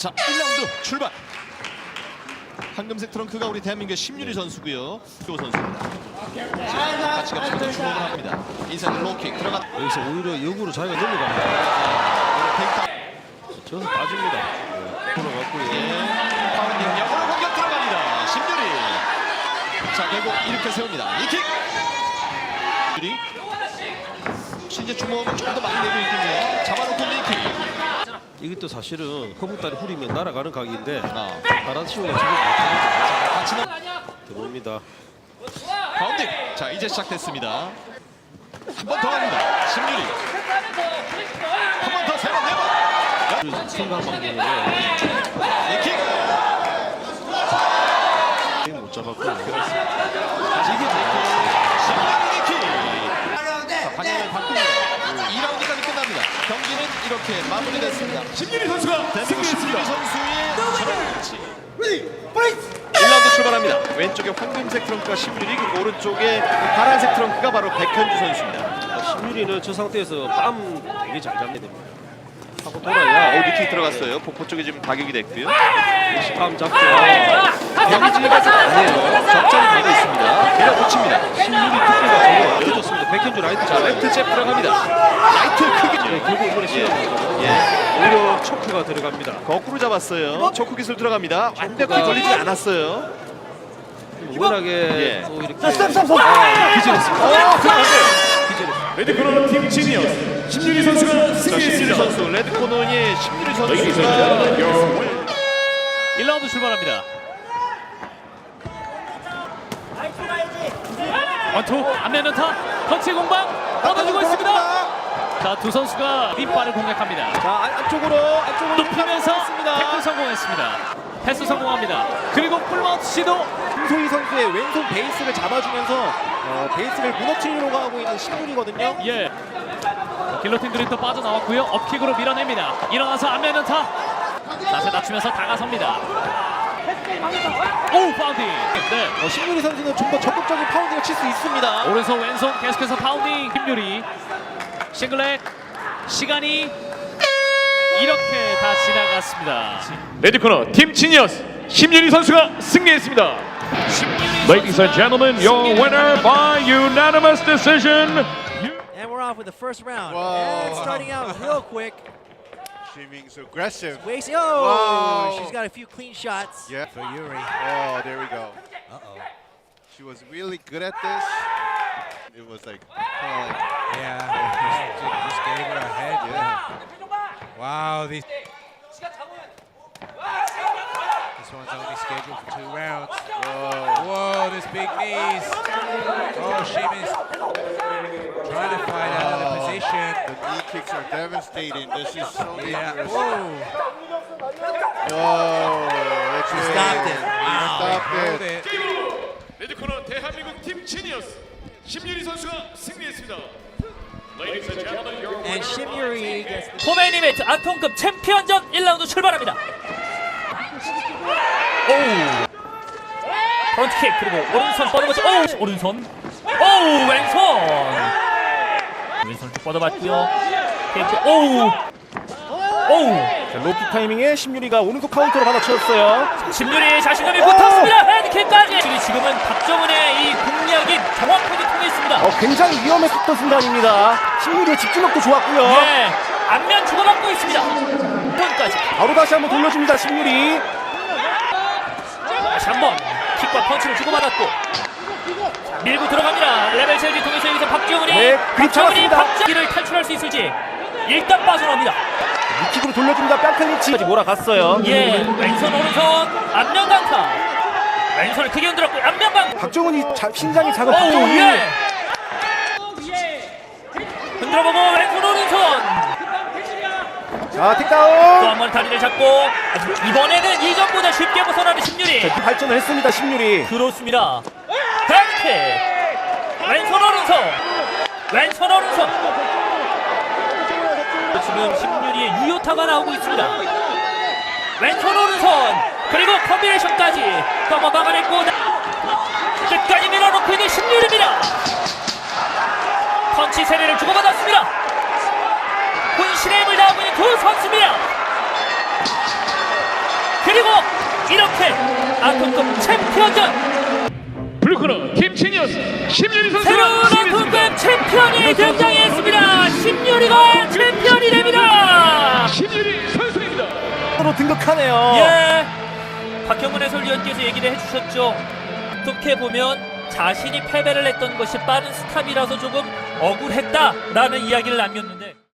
자, 1라운드 출발. 황금색 트렁크가 우리 대한민국의 심유리 선수고요. 조 선수입니다. 자, 같이 가면서 주목을 합니다. 인사이드 로킥 들어가. 여기서 오히려 역으로 자기가 넘어갑니다. 저는 빠집니다. 돌아갔고요. 파운딩 역으로 공격 들어갑니다. 심유리. 자, 결국 이렇게 세웁니다. 이킥. 심유리. 이제 주먹을 조금 더 많이 내고 있군요. 잡아놓고 리킥. 이것도 사실은 허벅다리 후리면 날아가는 각인데 바라치오가 지금 같이 들어옵니다. 파운딩. 자, 이제 시작됐습니다. 한 번 더 합니다. 심유리. 한 번 더, 세 번, 네 번. 생각 방법으로 리킥. 못 잡았고 다시 이게 심유리 리킥. 자, 방향을 바꿉니다. 2라운드까지 끝납니다. 경기는 이렇게 마무리됐습니다. 심유리 선수가 승리했습니다. 선수의 1라운드 출발합니다. 왼쪽에 황금색 트렁크가 심유리, 그리고 오른쪽에 파란색 트렁크가 바로 백현주 선수입니다. 심유리는 저 상태에서 뺨 되게 잘 잡게 됩니다. 하고 돌아야 리킥 들어갔어요. 복부 쪽에 지금 타격이 됐고요. 뺨 잡고 경기가 아니에요. 적절히 가고 있습니다. 밀어붙입니다. 심유리 특기가 저거 좋습니다. 백현주 라이트 자, 잘 레프트 잽 들어갑니다. 라이트 크게. 결국 이번에 시험이거든요. 예. 오히려 초크가 들어갑니다. 거꾸로 잡았어요. 초크 기술 들어갑니다. 완벽히 걸리지 않았어요. 워낙에 예. 또 이렇게 기절했습니다. 들어갔어요. 레드코너 팀 지니어스 심유리 선수가 심유리 승리했습니다. 선수, 레드 코너의 심유리 선수가 1라운드 출발합니다. 원투 안면연타 터치 공방 얻어주고 있습니다. 자, 두 선수가 뒷발을 공략합니다. 자, 안쪽으로 높이면서 태클 성공했습니다. 패스 성공합니다. 그리고 풀마우트 시도. 김소희 선수의 왼손 베이스를 잡아주면서 베이스를 무너뜨리려고 하고 있는 심문이거든요. 예. 길로틴 드립도 빠져나왔고요. 업킥으로 밀어냅니다. 일어나서 안면연타. 자세 낮추면서 다가섭니다. 오, 파운딩. 네. 심유리 선수는 좀 더 적극적인 파운딩을 칠 수 있습니다. 오른손 왼손 계속해서 파운딩. 김유리 싱글렉. 시간이 이렇게 다 지나갔습니다. 레드코너 팀 지니어스 심유리 선수가 승리했습니다. Ladies and gentlemen, your winner by unanimous decision. And we're off with the first round. And starting out real quick. Seeming's aggressive. Wasting. Wow. She's got a few clean shots. Yeah. For Yuri. Oh, there we go. Uh-oh. She was really good at this. It was like, Yeah, just gave her a head. yeah. Wow, this one's only scheduled for 2 rounds. Whoa. Whoa, this big knees. Oh, Sheamus trying to fight out of the position. The knee kicks are devastating. This is so Yeah. dangerous. Whoa. Whoa. That's She it. stopped it. Stop Hold it. it. 레드코너 대한민국 팀 지니어스 심유리 선수가 승리했습니다. Ladies and gentlemen, your And Shimyuri gets the 포메인 이벤트 안통급 챔피언전 1라운드 출발합니다. 오. 프론트킥 그리고 오른손 뻗어봤죠. 오, 오른손. 오, 왼손 쭉 뻗어봤고요. 테이크. 오. 로킥 타이밍에 심유리가 오른손 카운터로 받아쳤어요. 심유리 자신감이 붙었습니다. 헤드킥까지. 지금은 박정은의 이 공략이 정확하게 통했습니다. 굉장히 위험했었던 순간입니다. 심유리의 집중력도 좋았고요. 예, 안면 주고받고 있습니다. 손까지. 바로 다시 한번 돌려줍니다. 심유리. 다시 한번 킥과 펀치를 주고받았고 밀고 들어갑니다. 레벨 체육을 통해서 여기서 박정은이 네, 그립 잡았습니다. 박정은이 탈출할 수 있을지 일단 빠져나옵니다. 킥으로 돌려줍니다. 뺨클린치까지 몰아갔어요. 예, 왼손 오른손 안면 강타. 왼손을 크게 흔들었고 안면 강타. 박정은이 신장이 작은 오, 박정은이 예. 흔들어보고 왼손 오른손. 자 또 틱다운. 한 번 다리를 잡고 이번에는 이전보다 쉽게 벗어나는 심유리. 발전을 했습니다. 심유리. 그렇습니다. 헤드킥. 왼손 오른손. 왼손 오른손. 지금 심유리의 유효타가 나오고 있습니다. 왼손 오른손 그리고 콤비네이션까지 넘어 막아냈고 끝까지 밀어놓고 있는 심유리입니다. 펀치 세례를 주고받았습니다. 혼신의 힘을 다하고 있는 두 선수입니다. 그리고 이렇게 아토급 챔피언전 블루코너 김치니어스 심유리 선수가 새로운 승리했습니다. 아토급 챔피언이 등장했습니다. 심유리가 챔피언이 됩니다. 심유리 선수입니다. 으로 등극하네요. 예, 박형문 해설위원께서 얘기를 해주셨죠. 어떻게 보면 자신이 패배를 했던 것이 빠른 스탑이라서 조금 억울했다라는 이야기를 남겼는데